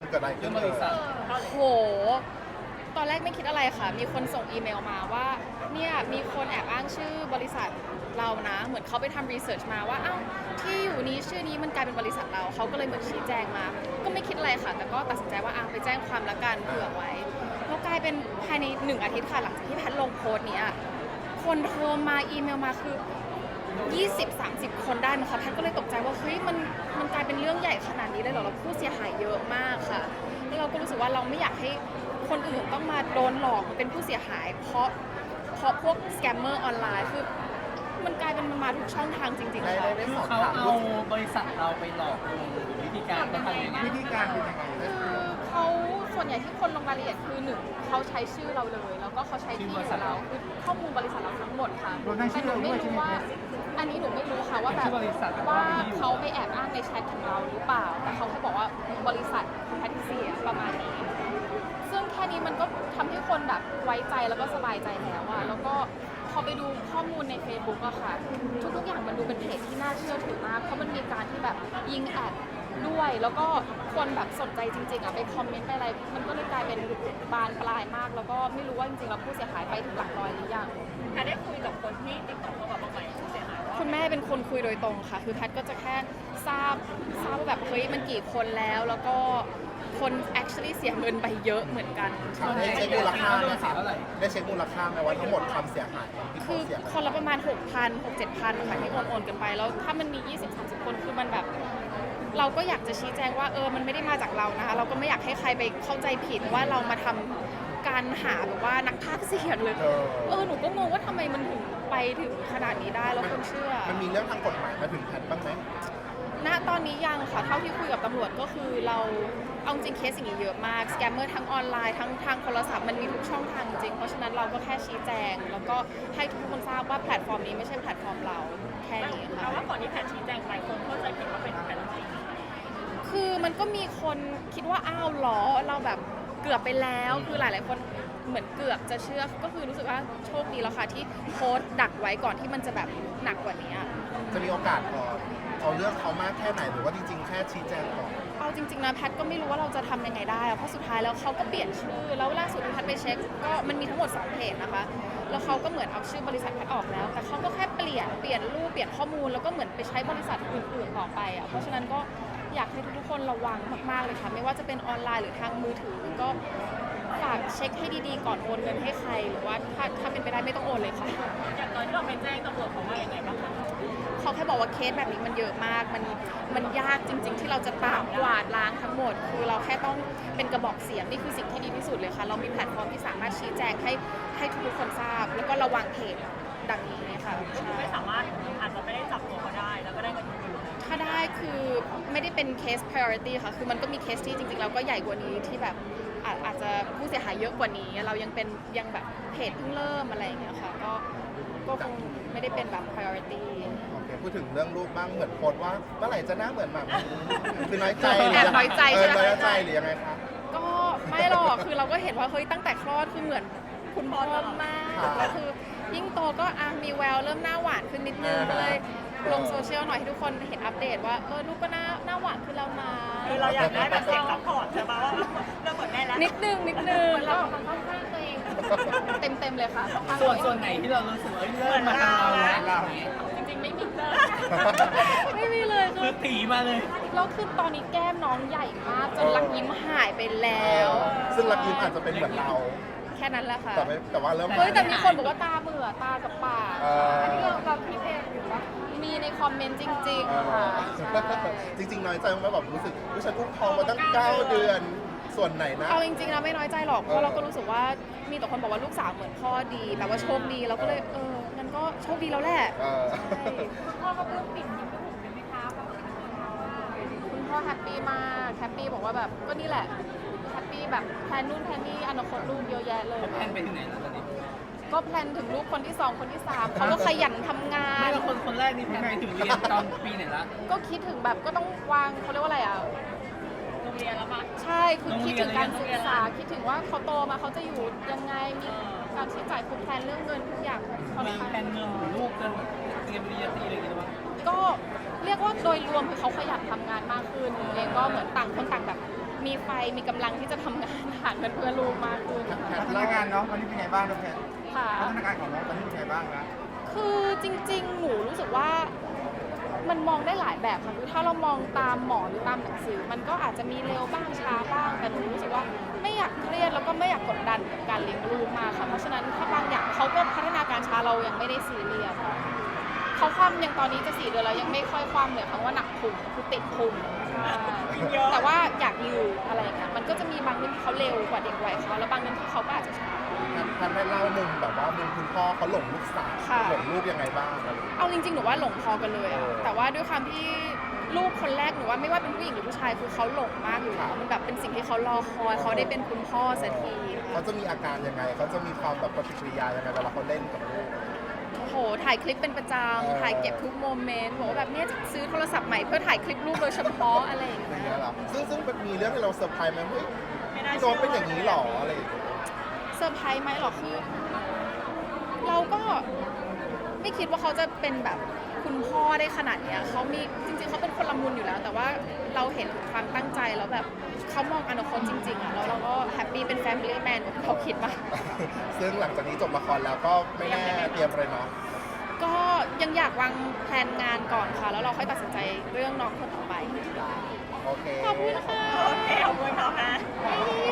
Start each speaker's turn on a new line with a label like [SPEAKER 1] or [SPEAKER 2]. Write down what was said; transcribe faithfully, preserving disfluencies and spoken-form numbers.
[SPEAKER 1] เกิดอะไรขึ้นบริษัท
[SPEAKER 2] โหตอนแรกไม่คิดอะไรค่ะมีคนส่งอีเมลมาว่าเนี่ยมีคนแอบอ้างชื่อบริษัทเรานะเหมือนเขาไปทำรีเสิร์ชมาว่าอ้าวที่อยู่นี้ชื่อนี้มันกลายเป็นบริษัทเราเขาก็เลยเหมือนชี้แจงมาก็ไม่คิดอะไรค่ะแต่ก็ตัดสินใจว่าอ่ะไปแจ้งความละกันเผื่อไว้แล้วกลายเป็นภายในหนึ่งอาทิตย์ค่ะหลังจากที่แพทลงโพสต์นี้คนโทรมาอีเมลมาคือยี่สิบ สามสิบ คนได้นะคะแพทก็เลยตกใจว่าเฮ้ยมันมันกลายเป็นเรื่องใหญ่ขนาดนี้เลยเหรอเราผู้เสียหายเยอะมากค่ะแล้วเราก็รู้สึกว่าเราไม่อยากให้คนอื่นต้องมาโดนหลอกเป็นผู้เสียหายเพราะเพราะพวกสแกมเมอร์ออนไลน์คือมันกลายเป็นมันมาทุกช่องทางจริงๆค่ะ
[SPEAKER 3] คือเขาเอาบริษัทเราไปหลอกลวงวิธีการเขาทำยังไง
[SPEAKER 1] วิธีการเป็นยังไง
[SPEAKER 2] คือเขาส่วนใหญ่ที่คนลงรายละเอียดคือหนึ่งเขาใช้ชื่อเราเลยแล้วก็เขาใช้ที่อยู่เราคือข้อมูลบริษัทเราทั้งหมดค่ะแต่หนูไม่รู้ว่าอันนี้หนูไม่รู้ค่ะว่าแบบว่าเขาไปแอบอ้างในแชทของเราหรือเปล่าแต่เขาแค่บอกว่าบริษัทแพทริเซียประมาณนี้ซึ่งแค่นี้มันก็ทำให้คนแบบไว้ใจแล้วก็สบายใจแล้วอะแล้วก็พอไปดูข้อมูลใน Facebook อะค่ะทุกๆอย่างมันดูเป็นเพจที่น่าเชื่อถือมากเพราะมันมีการที่แบบยิงแอดด้วยแล้วก็คนแบบสนใจจริงๆอะไปคอมเมนต์ไปอะไรมันก็เลยกลายเป็นบานปลายมากแล้วก็ไม่รู้ว่าจริงๆแล้วผู้เสียหายไปถึงหลักร้อยหรือยัง
[SPEAKER 4] แพทได้คุยกับคนที่ติดต่อเข้ามาบ้างไหมผู้เสียหายว่า
[SPEAKER 2] คุณแม่เป็นคนคุยโดยตรงค่ะคือแพทก็จะแค่ทราบทราบว่าแบบเฮ้ยมันกี่คนแล้วแล้วก็คน actually เสียเงินไปเยอะเหมือนกัน
[SPEAKER 1] ได้เช็คมูลค่าไหมครับได้เช็คมูลค่าไหมว่าทั้งหมดความเสียหายที่
[SPEAKER 2] คือ
[SPEAKER 1] เขาเสีย
[SPEAKER 2] คนละประมาณ หกพัน หกเจ็ดพัน ค่ะที่โอนโอนกันไปแล้วถ้ามันมี ยี่สิบ สามสิบ คนคือมันแบบเราก็อยากจะชี้แจงว่าเออมันไม่ได้มาจากเรานะคะเราก็ไม่อยากให้ใครไปเข้าใจผิดว่าเรามาทำการหาแบบว่านักพากย์เสียงเลยเออหนูก็งงว่าทำไมมันถึงไปถึงขนาดนี้ได้แล้วคนเชื่อ
[SPEAKER 1] มันมีเรื่องทางกฎหมายมาถึงแพทบ้างไหม
[SPEAKER 2] ณตอนนี้ยังค่ะเท่าที่คุยกับตำรวจก็คือเราเอาจริงเคสอย่างนี้เยอะมากสแกมเมอร์ทั้งออนไลน์ทั้งทางโทรศัพท์มันมีทุกช่องทางจริงเพราะฉะนั้นเราก็แค่ชี้แจงแล้วก็ให้ทุกคนทราบว่าแพลตฟอร์มนี้ไม่ใช่แพลตฟอร์มเราแค่นี้ค่ะ
[SPEAKER 4] แต่ว่าก่อนที่แพทชี้แจงไปคนเข้าใจผิดว่าเป็นแพทจริง
[SPEAKER 2] คือมันก็มีคนคิดว่าอ้าวหรอเราแบบเกือบไปแล้วคือหลายๆคนเหมือนเกือบจะเชื่อก็คือรู้สึกว่าโชคดีแล้วค่ะที่โพสต์ดักไว้ก่อนที่มันจะแบบหนักกว่านี้
[SPEAKER 1] จะมีโอกาสพอเอาเรื่องเขามากแค่ไหนหรือว่าจริงๆแค่ชี้แจงก่อน
[SPEAKER 2] เอาจริงๆนะแพทก็ไม่รู้ว่าเราจะทำยังไงได้เพราะสุดท้ายแล้วเขาก็เปลี่ยนชื่อแล้วล่าสุดที่แพทไปเช็คก็มันมีทั้งหมดสองเพจนะคะแล้วเขาก็เหมือนเอาชื่อบริษัทแพทออกแล้วแต่เขาก็แค่เปลี่ยนเปลี่ยนรูปเปลี่ยนข้อมูลแล้วก็เหมือนไปใช้บริษัทอื่นๆต่อไปอ่ะเพราะฉะนั้นก็อยากให้ทุกๆคนระวังมากๆเลยค่ะไม่ว่าจะเป็นออนไลน์หรือทางมือถือก็ฝากเช็คให้ดีๆก่อนโอนเงินให้ใครหรือว่าถ้าถ้าเป็นไปได้ไม่ต้องโอนเลยค่ะ
[SPEAKER 4] อย่างตอนที่เราไปแจ้งตำรวจเขาว่ายังไงบ้างคะ
[SPEAKER 2] เขาแค่บอกว่าเคสแบบนี้มันเยอะมากมันมันยากจริงๆที่เราจะตามกวาดล้างทั้งหมดคือเราแค่ต้องเป็นกระบอกเสียงนี่คือสิ่งที่ดีที่สุดเลยค่ะเรามีแพลตฟอร์มที่สามารถชี้แจงให้ให้ทุกคนทราบแล้วก็ระวังเพจดังนี้ค่ะ
[SPEAKER 4] ไม่สามารถอาจจะไม่ได้จับตัวเขาได้แล้วก็ได้เงินคืน
[SPEAKER 2] ถ้าได้คือไม่ได้เป็นเคส priority ค่ะคือมันก็มีเคสที่จริงๆเราก็ใหญ่กว่านี้ที่แบบอาจจะผู้เสียหายเยอะกว่านี้เรายังเป็นยังแบบเพจเพิ่งเริ่มอะไรอย่างเงี้ยค่ะก็ก็คงไม่ได้เป็นแบบ priority
[SPEAKER 1] โอเคพูดถึงเรื่องรูปบ้างเหมือนโพสว่าเมื่อไหร่จะหน้าเหมือนแบบคือน้อยใจ
[SPEAKER 2] แอบน้อยใจใช่ไหม
[SPEAKER 1] น้อยใจหรือยังไงคะ
[SPEAKER 2] ก็ไม่หรอกคือเราก็เห็นว่าเฮ้ยตั้งแต่คลอดคือเหมือนคุณพ่อมากแล้วคือยิ่งโตก็อ่ะมีแววเริ่มหน้าหวานขึ้นนิดนึงก็เลยลงโซเชียลหน่อยให้ทุกคนเห็นอัปเดตว่าเออลูกก็หน้าหน้าหวานขึ้นแล้วนะ
[SPEAKER 4] คือเราอยากได้แบบเสียงซัพพอร์ตใช่ไหมว่าเราเหมือนแม่แล้ว
[SPEAKER 2] นิดนึงนิดนึงก็เต็มเต็มเลยค่ะ
[SPEAKER 3] ส่วนส่วนไหนที่เรารู้สึกว่าเริ่มมาทางเราแล้ว
[SPEAKER 2] จริงๆไม่มีเลยไม่มีเลย
[SPEAKER 3] คือตีมาเลย
[SPEAKER 2] แล้วคือตอนนี้แก้มน้องใหญ่มากจนรักยิ้มหายไปแล้ว
[SPEAKER 1] ซึ่งรักยิ้มอาจจะเป็นเหมือนเรา
[SPEAKER 2] แค่นั้นแหละค่ะ
[SPEAKER 1] แต่แต่ว่าเริ่ม
[SPEAKER 2] เฮ้ยแต่มีคนบอกว่าตาเบื่อตากับปาก
[SPEAKER 1] อั
[SPEAKER 2] นนี้เราเราคิดเองหรือว่ามีในคอมเมนต์จริงๆค่ะ
[SPEAKER 1] จริงๆน้อยใจไหมแบบรู้สึกว่าฉันอุ้มท้องมาตั้งเก้าเดือนส่วนไหนนะ
[SPEAKER 2] เอาจริงๆนะไม่น้อยใจหรอกเพราะเราก็รู้สึกว่ามีแต่คนบอกว่าลูกสาวเหมือนพ่อดีแบบว่าโชคดีเราก็เลยเอองั้นก็โชคดีแล้วแหละ
[SPEAKER 4] คุณพ่อก็เพิ่งปิดยิ้มให้ผมเลยไหมคะ
[SPEAKER 2] คุณพ่อแฮปปี้มากแฮปปี้บอกว่าแบบก็นี่แหละแฮปปี้แบบแพลนนู่นแพลนนี่อนาคตลูกเยอะแยะเลย
[SPEAKER 3] แพลนไปถึงไหนแล้วตอนนี้
[SPEAKER 2] ก็แพลนถึงลูกคนที่สองคนที่สามเขาก็ขยันทำงาน
[SPEAKER 3] ไม่แล้วคนคนแรกนี่แพลนไปถึงเรียนตอนปีไหนละ
[SPEAKER 2] ก็คิดถึงแบบก็ต้องวางเขาเรียกว่าอะไรอ่ะ
[SPEAKER 4] โรงเรียนแล้วมั้ย
[SPEAKER 2] ใช่คือคิดถึงการศึกษาคิดถึงว่าเขาโตมาเขาจะอยู่ยังไงมีการใช้จ่ายคือแพลนเรื่องเงินทุกอย่าง
[SPEAKER 3] มีแพลนเงินลูกกันเตรียมปริญญาตรีอะไรอย่างเงี้ยมั้ย
[SPEAKER 2] ก็เรียกว่าโดยรวมคือเขาขยันทำงานมากขึ้นเองก็เหมือนต่างคนต่างแบบมีไฟมีกำลังที่จะทำงานหาเงินเพื่อลูกมากขึ้นนะคะ
[SPEAKER 5] พัฒนาการน้องตอนนี้เป็นไงบ้างน้องแพท
[SPEAKER 2] ค่ะ
[SPEAKER 5] พัฒนาการของน้องตอนนี้เป็นไงบ้างนะ
[SPEAKER 2] คือจริง ๆ หนูรู้สึกว่ามันมองได้หลายแบบค่ะคือถ้าเรามองตามหมอหรือตามหนังสือ มันก็อาจจะมีเร็วบ้างช้าบ้าง แต่หนูรู้สึกว่าไม่อยากเครียดแล้วก็ไม่อยากกดดันกับการเลี้ยงลูกมากค่ะ เพราะฉะนั้นถ้าบางอย่างเขาก็พัฒนาการช้าเรายังไม่ได้ซีเรียสเขาความยังตอนนี้จะสี่เดือนแล้วยังไม่ค่อยความเลยคำว่าหนักพุงคือติดพุงใช่แต่ว่าอยากยืดอะไรอย่างเงี้ยมันก็จะมีบางเรื่องที่เขาเร็วกว่าเด็กวัยเขาแล้วบางเรื่องที่เขาก็อาจจะช้า
[SPEAKER 1] ท่านได้เล่ามุมแบบว่ามุมคุณพ่อเขาหลงลูกสาว
[SPEAKER 2] ค่ะ
[SPEAKER 1] หลงลูกยังไงบ้างอะไรอย่างเงี้ย
[SPEAKER 2] เอาจริงๆ หนูว่าหลงพอกันเลยอะ
[SPEAKER 1] เออ
[SPEAKER 2] แต่ว่าด้วยความที่ลูกคนแรกหนูว่าไม่ว่าเป็นผู้หญิงหรือผู้ชายคือเขาหลงมากอยู่แล้วมันแบบเป็นสิ่งที่เขารอคอยเขาได้เป็นคุณพ่อสักที
[SPEAKER 1] เขาจะมีอาการยังไงเขาจะมีความแบบปฏิกิริยายังไงเวลาเขาเล่นกับลูก
[SPEAKER 2] โอ้โห ถ่ายคลิปเป็นประจ
[SPEAKER 1] เออ
[SPEAKER 2] ำถ่ายเก็บทุกโมเมนต์บอกว่าแบบเนี้ยจะซื้อโทรศัพท์ใหม่เพื่อถ่ายคลิปลูกโดยเฉพาะอะไรอย่าง
[SPEAKER 1] อย่าง
[SPEAKER 2] เงี้
[SPEAKER 1] เงี้
[SPEAKER 2] ย
[SPEAKER 1] ยเหรอซึ่งซึ่งมันมีเรื่องให้เราเซอร์ไพรส์ไหมเฮ้ย
[SPEAKER 4] ไม่น่า
[SPEAKER 1] พี่
[SPEAKER 4] เชื่
[SPEAKER 1] โดนเป็นอย่างนี้หรออะไรอย่างเงี้ย
[SPEAKER 2] เซอร์ไพรส์ไหมหรอคือ เราก็ไม่คิดว่าเขาจะเป็นแบบคุณพ่อได้ขนาดเนี้ยเขามีจริงๆเขาเป็นคนละมุนอยู่แล้ว แต่ว่าเราเห็นถึงความตั้งใจแล้วแบบเขามองอนาคตจริงๆอะแล้วเราก็แฮปปี้เป็นแฟมิลี่แมนกับที่เขาคิดมา
[SPEAKER 1] ซึ่งหลังจากนี้จบละครแล้วก็ไม่แน่เตรียมอะไรเนาะ
[SPEAKER 2] ก็ยังอยากวางแผนงานก่อนค่ะ แล้วเราค่อยตัดสินใจเรื่องน้องคนต่อไป
[SPEAKER 1] โอเค
[SPEAKER 2] ขอบคุณค่ะ
[SPEAKER 4] โอเคเอาไว้เขาฮะ
[SPEAKER 2] Bye.